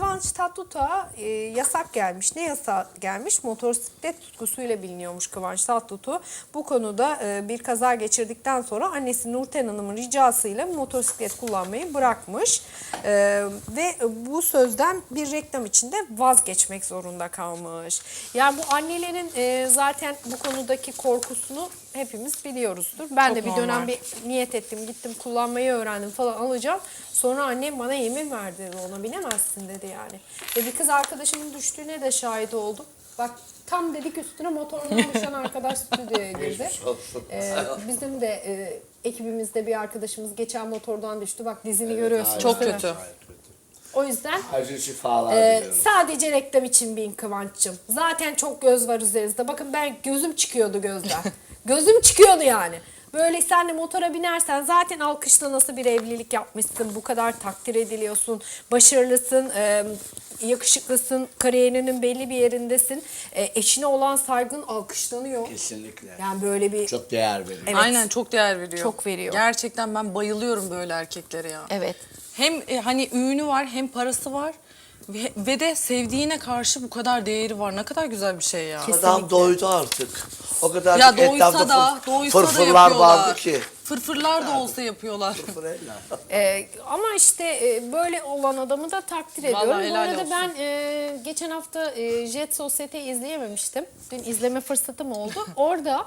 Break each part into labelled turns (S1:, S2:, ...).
S1: Kıvanç Tatlıtuğ'a yasak gelmiş. Ne yasak gelmiş? Motosiklet tutkusuyla biliniyormuş Kıvanç Tatlıtuğ. Bu konuda bir kaza geçirdikten sonra annesi Nurten Hanım'ın ricasıyla motosiklet kullanmayı bırakmış. Ve bu sözden bir reklam içinde vazgeçmek zorunda kalmış. Yani bu annelerin zaten bu konudaki korkusunu hepimiz biliyoruzdur. Ben
S2: Çok
S1: de bir
S2: normal.
S1: dönem bir niyet ettim, gittim kullanmayı öğrendim falan alacağım. Sonra annem bana yemin verdi, ona binemezsin dedi yani. Ve bir kız arkadaşımın düştüğüne de şahit oldum. Bak tam dedik üstüne motorundan düşen arkadaş stüdyoya girdi. Bizim de ekibimizde bir arkadaşımız geçen motordan düştü. Bak dizini görüyorsunuz.
S2: Çok
S1: değil mi?
S2: kötü.
S1: O yüzden
S3: Acı şifalar diliyorum.
S1: sadece reklam için bin Kıvanç'cığım. Zaten çok göz var üzerimizde. Bakın ben gözüm çıkıyordu gözden. Gözüm çıkıyordu yani. Böyle sen de motora binersen zaten alkışla nasıl bir evlilik yapmışsın. Bu kadar takdir ediliyorsun. Başarılısın, yakışıklısın, kariyerinin belli bir yerindesin. Eşine olan saygın alkışlanıyor.
S3: Kesinlikle.
S1: Yani böyle bir...
S3: Çok değer veriyorum.
S1: Evet.
S2: Aynen çok değer veriyor.
S1: Çok veriyor.
S2: Gerçekten ben bayılıyorum böyle erkeklere ya.
S1: Evet.
S2: Hem hani ünü var hem parası var ve de sevdiğine karşı bu kadar değeri var. Ne kadar güzel bir şey ya.
S3: Adam doydu artık. O kadar
S2: Ya doysa
S3: etrafta
S2: da
S3: fırfırlar
S2: yapıyorlar.
S3: vardı ki.
S2: Fırfırlar da olsa yapıyorlar.
S3: Fırfırella.
S1: Ama işte böyle olan adamı da takdir ediyorum.
S2: Vallahi
S1: Bu
S2: helal
S1: arada
S2: olsun.
S1: ben geçen hafta Jet Sosyete'yi izleyememiştim. Dün izleme fırsatım oldu. Orada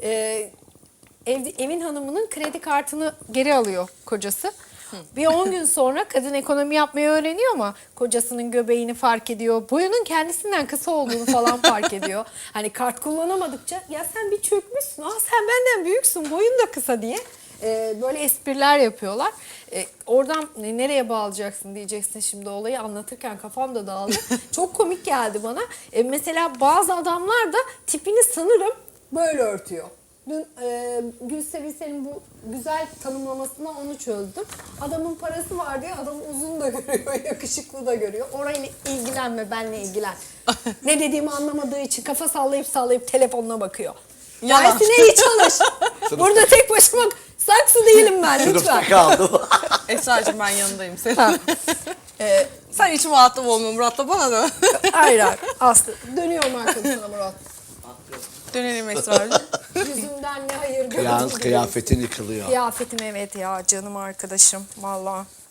S1: evin hanımının kredi kartını geri alıyor kocası. Bir 10 gün sonra kadın ekonomi yapmayı öğreniyor ama kocasının göbeğini fark ediyor. Boyunun kendisinden kısa olduğunu falan fark ediyor. Hani kart kullanamadıkça ya sen bir çökmüşsün. Sen benden büyüksün, boyun da kısa diye. Böyle espriler yapıyorlar. Oradan nereye bağlayacaksın diyeceksin şimdi olayı anlatırken kafam da dağıldı. Çok komik geldi bana. Mesela bazı adamlar da tipini sanırım böyle örtüyor. Dün Gülsevisel'in bu güzel tanımlamasına onu çözdüm. Adamın parası var diye adamı uzun da görüyor, yakışıklı da görüyor. Orayla ilgilenme, benle ilgilen. Ne dediğimi anlamadığı için kafa sallayıp telefonuna bakıyor.
S2: Yalan.
S1: Dersine iyi çalış. Burada tek başıma saksı değilim ben lütfen.
S3: Sınıfta kaldım.
S2: Esra'cığım ben yanındayım senin. Sen hiç muhatap olma Murat'la bana da.
S1: Hayır. Aslı. Dönüyorum arkadaşına Murat.
S2: Dönelim Esra'cığım.
S1: Yüzümden ne hayır gördüm.
S3: Kıyafetin yıkılıyor.
S1: Kıyafetim evet ya canım arkadaşım. Vallahi.